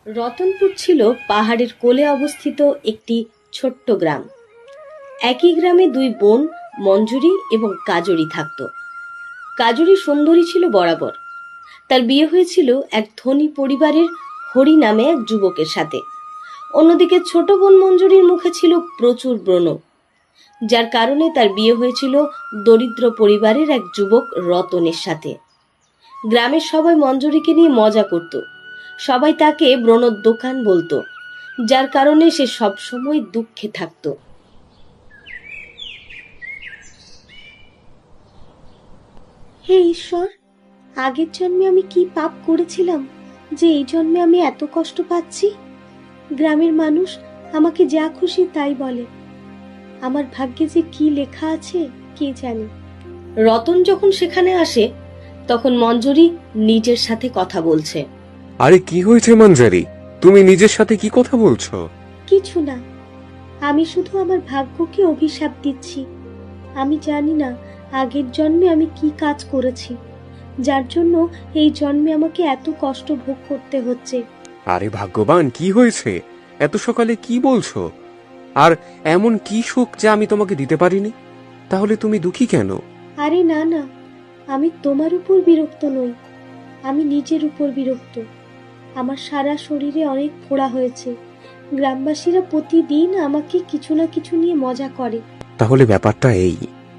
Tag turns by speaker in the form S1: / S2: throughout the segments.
S1: রতনপুর ছিল পাহাড়ের কোলে অবস্থিত একটি ছোট্ট গ্রাম। একই গ্রামে দুই বোন মঞ্জুরি এবং কাজরি থাকত। কাজরি সুন্দরী ছিল বরাবর। তার বিয়ে হয়েছিল এক ধনী পরিবারের হরি নামে এক যুবকের সাথে। অন্যদিকে ছোট বোন মঞ্জুরির মুখে ছিল প্রচুর ব্রণ, যার কারণে তার বিয়ে হয়েছিল দরিদ্র পরিবারের এক যুবক রতনের সাথে। গ্রামের সবাই মঞ্জুরিকে নিয়ে মজা করত। সবাই তাকে ব্রণর দোকান বলতো, যার কারণে সে সবসময় দুঃখে থাকত। হে ঈশ্বর, আগের জন্মে আমি কি পাপ করেছিলাম যে এই জন্মে আমি এত কষ্ট পাচ্ছি? গ্রামের মানুষ আমাকে যা খুশি তাই বলে। আমার ভাগ্যে যে কি লেখা আছে কে জানে। রতন যখন সেখানে আসে তখন মঞ্জুরি নিজের সাথে কথা বলছে।
S2: আরে কি হয়েছে মঞ্জুরি, তুমি নিজের সাথে কি কথা বলছো?
S1: কিছু না, আমি শুধু আমার ভাগ্যকে অভিশাপ দিচ্ছি। আমি জানি না আগের জন্মে আমি কি কাজ করেছি, যার জন্য এই জন্মে আমাকে এত কষ্ট ভোগ করতে হচ্ছে।
S2: আরে ভাগ্যবান, কি হয়েছে? এত সকালে কি বলছো? আর এমন কি সুখ যা আমি তোমাকে দিতে পারিনি? তাহলে তুমি দুঃখী কেন?
S1: আরে না না, আমি তোমার উপর বিরক্ত নই, আমি নিজের উপর বিরক্ত। আমার সারা শরীরে অনেক ফোড়া হয়েছে। গ্রামবাসীরা প্রতিদিন আমাকে কিছু না কিছু নিয়ে মজা করে।
S2: তাহলে ব্যাপারটা এই।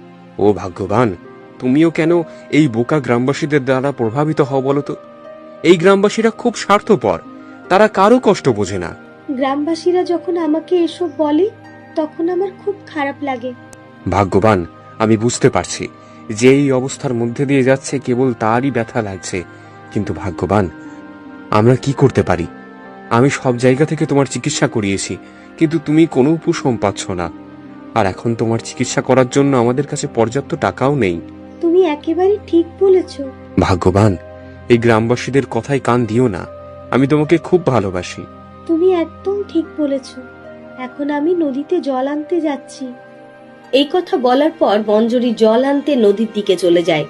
S2: ও ভাগ্যবান, তুমিও কেন এই বোকা গ্রামবাসীদের দ্বারা প্রভাবিত হও বলো তো? এই গ্রামবাসীরা খুব স্বার্থপর, তারা কারো কষ্ট বোঝে না।
S1: গ্রামবাসীরা যখন আমাকে এসব বলে তখন আমার খুব খারাপ লাগে।
S2: ভাগ্যবান, আমি বুঝতে পারছি যে এই অবস্থার মধ্যে দিয়ে যাচ্ছে কেবল তারই ব্যথা লাগছে। কিন্তু ভাগ্যবান, আমরা কি করতে পারি? আমি সব জায়গা থেকে তোমার চিকিৎসা করিয়েছি, কিন্তু তুমি কোনো উপশম পাচ্ছ না। আর এখন তোমার চিকিৎসা করার জন্য আমাদের কাছে পর্যাপ্ত টাকাও নেই।
S1: তুমি একেবারে ঠিক বলেছ।
S2: ভাগ্যবান, এই গ্রামবাসীদের কথায় কান দিও না। আমি তোমাকে খুব ভালোবাসি।
S1: তুমি একদম ঠিক বলেছ। এখন আমি নদীতে জল আনতে যাচ্ছি। এই কথা বলার পর মঞ্জুরি জল আনতে নদীর দিকে চলে যায়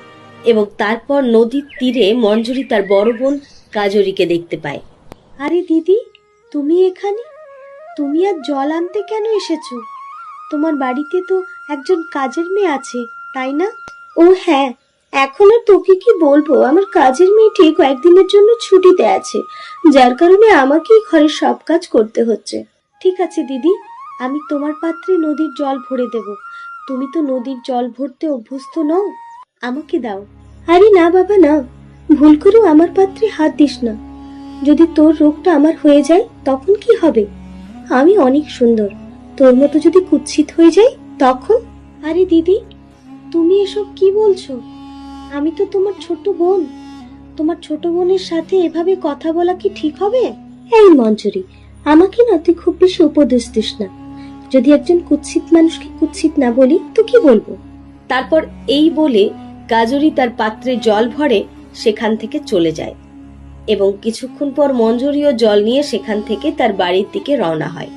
S1: এবং তারপর নদীর তীরে মঞ্জুরি তার বড় বোন কাজরিকে দেখতে পায়। আরে দিদি, তুমি এখানে? তুমি আর জল আনতে কেন এসেছো? তোমার বাড়িতে তো একজন কাজের মেয়ে আছে, তাই না? ও হ্যাঁ, এখন আর তোকে কি বলবো, আমার কাজের মেয়েটি কয়েকদিনের জন্য ছুটিতে আছে, যার কারণে আমাকেই ঘরের সব কাজ করতে হচ্ছে। ঠিক আছে দিদি, আমি তোমার পাত্রে নদীর জল ভরে দেব। তুমি তো নদীর জল ভরতে অভ্যস্ত নও, আমাকে দাও। আরে না বাবা না, ভুল করেও আমার পাত্রে হাত দিস না। যদি তোর রোগটা আমার হয়ে যায় তখন কি হবে? আমি অনেক সুন্দর, তোর মতো যদি কুৎসিত হয়ে যাই তখন? আরে দিদি, তুমি এসব কি বলছো? আমি তো তোমার ছোট বোন। তোমার ছোট বোনের সাথে এভাবে কথা বলা কি ঠিক হবে? এই মঞ্জুরি, আমাকে না তুই খুব বেশি উপদেশ দিস না। যদি একজন কুৎসিত মানুষকে কুৎসিত না বলি তো কি বলবো? তারপর এই বলে কাজরি তার পাত্রে জল ভরে সেখান থেকে চলে যায় এবং কিছুক্ষণ পর মঞ্জুরিও জল নিয়ে সেখান থেকে তার বাড়ির দিকে রওনা হয়।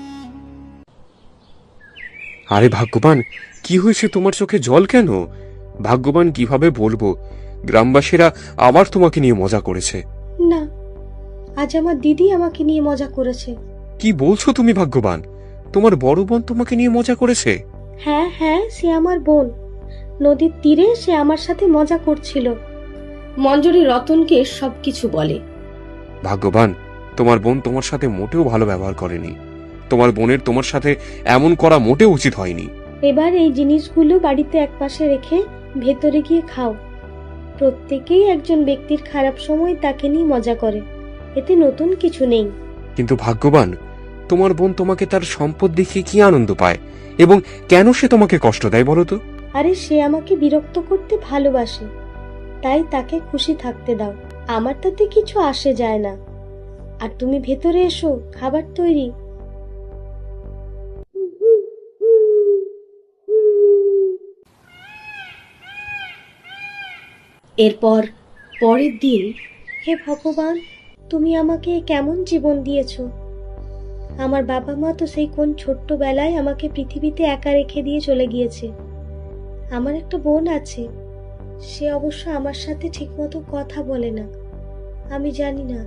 S2: আরে ভাগ্যবান, কি হয়েছে? তোমার চোখে জল কেন? ভাগ্যবান কিভাবে বলবো, গ্রামবাসীরা আবার তোমাকে নিয়ে মজা করেছে।
S1: না, আজ আমার দিদি আমাকে নিয়ে মজা করেছে।
S2: কি বলছো তুমি ভাগ্যবান? তোমার বড় বোন তোমাকে নিয়ে মজা করেছে?
S1: হ্যাঁ হ্যাঁ, সে আমার বোন। নদীর তীরে সে আমার সাথে মজা করছিল। মঞ্জুরি রতনকে সবকিছু বলে।
S2: ভাগ্যবান, তোমার বোন তোমার সাথে মোটেও ভালো ব্যবহার করেনি। তোমার বোনের তোমার সাথে এমন করা মোটেও উচিত হয়নি।
S1: এবার এই জিনিসগুলো বাড়িতে একপাশে রেখে ভেতরে গিয়ে খাও। প্রত্যেকেই একজন ব্যক্তির খারাপ সময় তাকে নিয়ে মজা করে, এতে নতুন কিছু নেই।
S2: কিন্তু ভাগ্যবান, তোমার বোন তোমাকে তার সম্পদ দেখিয়ে কি আনন্দ পায় এবং কেন সে তোমাকে কষ্ট দেয় বলো তো?
S1: আরে সে আমাকে বিরক্ত করতে ভালোবাসে, তাই তাকে খুশি থাকতে দাও। আমার তাতে কিছু আসে যায় না। আর তুমি ভেতরে এসো, খাবার তৈরি। এরপর পরের দিন, হে ভগবান, তুমি আমাকে কেমন জীবন দিয়েছো। আমার বাবা মা তো সেই কোন ছোট্টবেলায় আমাকে পৃথিবীতে একা রেখে দিয়ে চলে গিয়েছে। আমার একটা বোন আছে, সে অবশ্য আমার সাথে ঠিকমতো কথা বলে না। আমি জানি না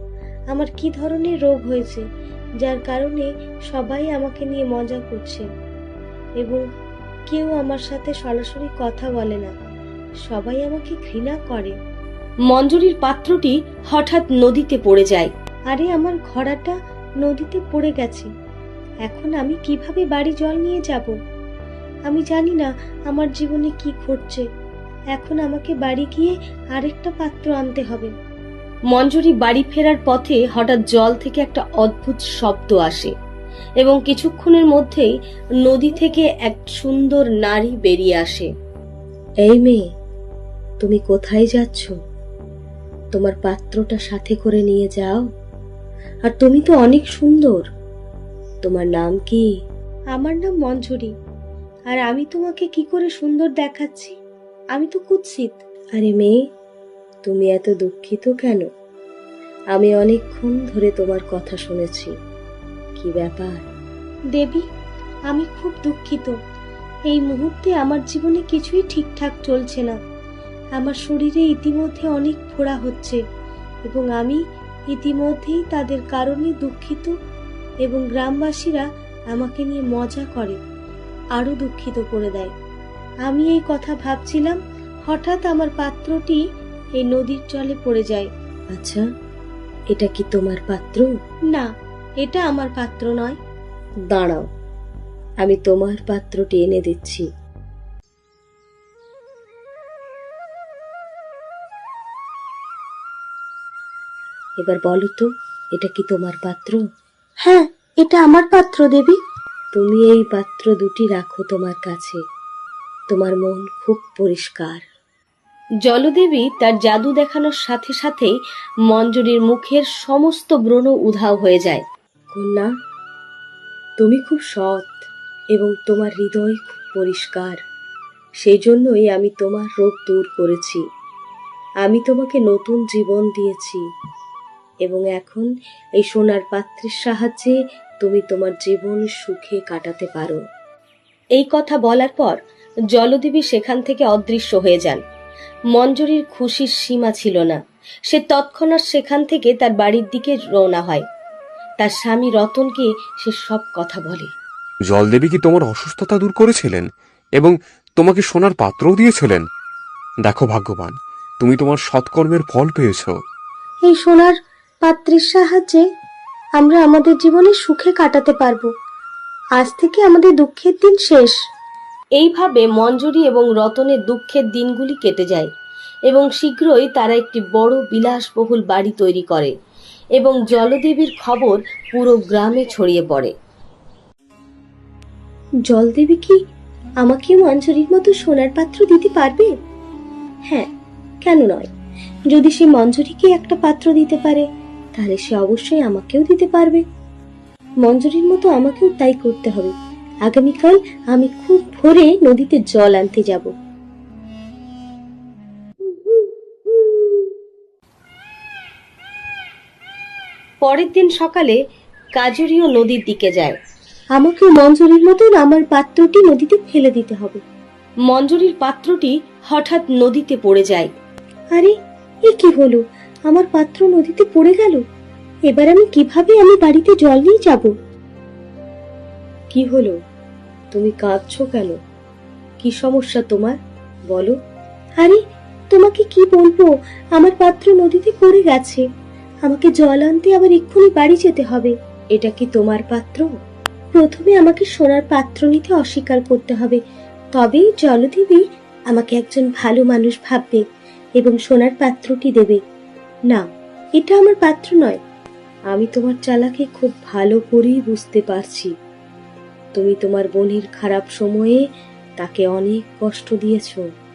S1: আমার কি ধরনের রোগ হয়েছে যার কারণে সবাই আমাকে নিয়ে মজা করছে এবং কেউ আমার সাথে সরাসরি কথা বলে না, সবাই আমাকে ঘৃণা করে। মঞ্জুরির পাত্রটি হঠাৎ নদীতে পড়ে যায়। আরে আমার ঘোড়াটা নদীতে পড়ে গেছে, এখন আমি কিভাবে বাড়ি জল নিয়ে যাব? আমি জানি না আমার জীবনে কি ঘটছে। এখন আমাকে বাড়ি গিয়ে আরেকটা পাত্র আনতে হবে। মঞ্জুরি বাড়ি ফেরার পথে হঠাৎ জল থেকে একটা অদ্ভুত শব্দ আসে এবং কিছুক্ষণের মধ্যেই নদী থেকে এক সুন্দর নারী বেরিয়ে আসে। এই মেয়ে, তুমি কোথায় যাচ্ছ? তোমার পাত্রটা সাথে করে নিয়ে যাও। আর তুমি তো অনেক সুন্দর, তোমার নাম কি? আমার নাম মঞ্জুরি। আর আমি তোমাকে কি করে সুন্দর দেখাচ্ছি? আমি তো কুৎসিত। আরে মেয়ে, তুমি এত দুঃখিত কেন? আমি অনেকক্ষণ ধরে তোমার কথা শুনেছি। কি ব্যাপার? দেবী, আমি খুব দুঃখিত। এই মুহূর্তে আমার জীবনে কিছুই ঠিকঠাক চলছে না। আমার শরীরে ইতিমধ্যে অনেক ফোড়া হচ্ছে এবং আমি ইতিমধ্যেই তাদের কারণে দুঃখিত এবং গ্রামবাসীরা আমাকে নিয়ে মজা করে, আরো দুঃখিত করে দেয়। আমি এই কথা ভাবছিলাম, হঠাৎ আমার পাত্রটি এই নদীর জলে পড়ে যায়। আচ্ছা, এটা কি তোমার পাত্র? না, এটা আমার পাত্র নয়। দাঁড়াও, আমি তোমার পাত্রটি এনে দিচ্ছি। এবার বলো তো, এটা কি তোমার পাত্র? হ্যাঁ, এটা আমার পাত্র দেবী। তুমি এই পাত্র দুটি রাখো তোমার কাছে। তোমার মন খুব পরিষ্কার। জলদেবী তার জাদু দেখানোর সাথে সাথেই মঞ্জুরির মুখের সমস্ত ব্রণ উধাও হয়ে যায়। কন্যা, তুমি খুব সৎ এবং তোমার হৃদয় খুব পরিষ্কার। সেই জন্যই আমি তোমার রোগ দূর করেছি। আমি তোমাকে নতুন জীবন দিয়েছি এবং এখন এই সোনার পাত্রের সাহায্যে তুমি তোমার জীবন সুখে কাটাতে পারো। এই কথা বলার পর জলদেবী সেখান থেকে অদৃশ্য হয়ে যান। মঞ্জুরির খুশির সীমা ছিল না। সে তৎক্ষণাৎ সেখান থেকে তার বাড়ির দিকে রওনা হয়। তার স্বামী রতনকে সে সব কথা বলে।
S2: জলদেবী কি তোমার অসুস্থতা দূর করেছিলেন এবং তোমাকে সোনার পাত্রও দিয়েছিলেন? দেখো ভাগ্যবান, তুমি তোমার সৎকর্মের ফল পেয়েছো।
S1: এই সোনার পাত্রের সাহায্যে আমরা আমাদের জীবনে সুখে কাটাতে পারবো। আজ থেকে আমাদের দুঃখের দিন শেষ। এইভাবে মঞ্জুরি এবং রতনের দুঃখের দিনগুলি কেটে যায় এবং শীঘ্রই তারা একটি বড় বিলাসবহুল বাড়ি তৈরি করে এবং জলদেবীর খবর পুরো গ্রামে ছড়িয়ে পড়ে। জলদেবী কি আমাকে মঞ্জুরির মতো সোনার পাত্র দিতে পারবে? হ্যাঁ, কেন নয়? যদি সে মঞ্জুরিকে একটা পাত্র দিতে পারে, তাহলে সে অবশ্যই আমাকেও দিতে পারবে। মঞ্জুরির মতো আমাকেও তাই করতে হবে। আগামীকাল আমি খুব ভোরে নদীতে জল আনতে যাব। পরের দিন সকালে কাজুরিও নদীর দিকে যায়। আমাকে মঞ্জুরির মতন আমার পাত্রটি নদীতে ফেলে দিতে হবে। মঞ্জুরির পাত্রটি হঠাৎ নদীতে পড়ে যায়। আরে, এ কি হলো? আমার পাত্র নদীতে পড়ে গেল। এবার আমি কিভাবে বাড়িতে জল নিয়ে যাব? কি হলো? তুমি কাঁদছো কেন? কি সমস্যা তোমার? বলো। আরে, তোমাকে কি বলবো, আমার পাত্র নদীতে পড়ে গেছে। আমাকে জল আনতে আবার এক্ষুনি বাড়ি যেতে হবে। এটা কি তোমার পাত্র? প্রথমে আমাকে সোনার পাত্র নিতে অস্বীকার করতে হবে, তবেই জলদেবী আমাকে একজন ভালো মানুষ ভাববে এবং সোনার পাত্রটি দেবে। না, এটা আমার পাত্র নয়। আমি তোমার চালাকি খুব ভালো করেই বুঝতে পারছি। তুমি তোমার বোনের খারাপ সময়ে তাকে অনেক কষ্ট দিয়েছ।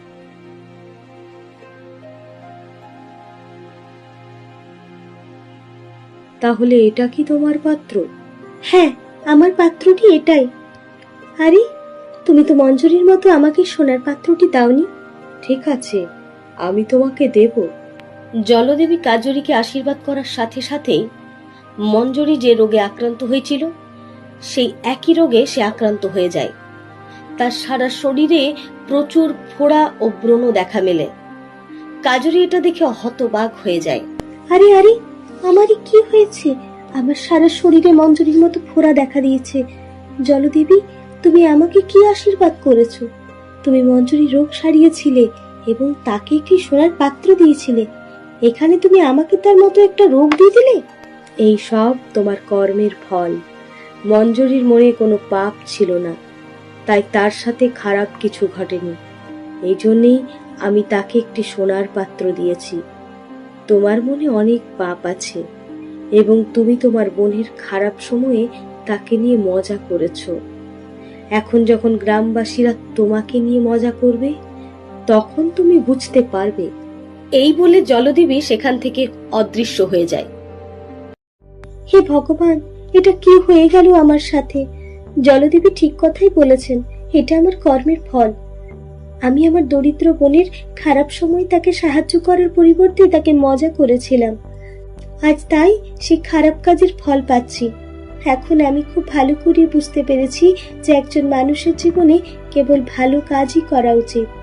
S1: তাহলে এটা কি তোমার পাত্র? হ্যাঁ, আমার পাত্রটি এটাই। আরে, তুমি তো মঞ্জুরির মতো আমাকে সোনার পাত্রটি দাওনি। ঠিক আছে, আমি তোমাকে দেব। জলদেবী কাজুরিকে আশীর্বাদ করার সাথে সাথেই মঞ্জুরি যে রোগে আক্রান্ত হয়েছিল, সেই একই রোগে সে আক্রান্ত হয়ে যায়। তার সারা শরীরে প্রচুর ফোড়া ও ব্রণ দেখা মেলে। কাজুরি এটা দেখে হতবাক হয়ে যায়। আরে আরে, আমারই কি হয়েছে? আমার সারা শরীরে মঞ্জুরির মতো ফোড়া দেখা দিয়েছে। জলদেবী, তুমি আমাকে কি আশীর্বাদ করেছো? তুমি মঞ্জুরি রোগ সারিয়েছিলে এবং তাকে একটি সোনার পাত্র দিয়েছিলে। এখানে তুমি আমাকে তার মতো একটা রোগ দিয়ে দিলে। এই সব তোমার কর্মের ফল। মঞ্জুরির মনে কোনো পাপ ছিল না, তাই তার সাথে খারাপ কিছু ঘটেনি। এই জন্যেই আমি তাকে একটি সোনার পাত্র দিয়েছি। তোমার মনে অনেক পাপ আছে এবং তুমি তোমার বোনের খারাপ সময়ে তাকে নিয়ে মজা করেছো। এখন যখন গ্রামবাসীরা তোমাকে নিয়ে মজা করবে, তখন তুমি বুঝতে পারবে। এই বলে জলদেবী সেখান থেকে অদৃশ্য হয়ে যায়। হে ভগবান, এটা কি হয়ে গেল আমার সাথে? জলদেবী ঠিক কথাই বলেছেন, এটা আমার কর্মের ফল। আমি আমার দরিদ্র বোনের খারাপ সময় তাকে সাহায্য করার পরিবর্তে তাকে মজা করেছিলাম। আজ তাই সেই খারাপ কাজের ফল পাচ্ছি। এখন আমি খুব ভালো করে বুঝতে পেরেছি যে একজন মানুষের জীবনে কেবল ভালো কাজই করা উচিত।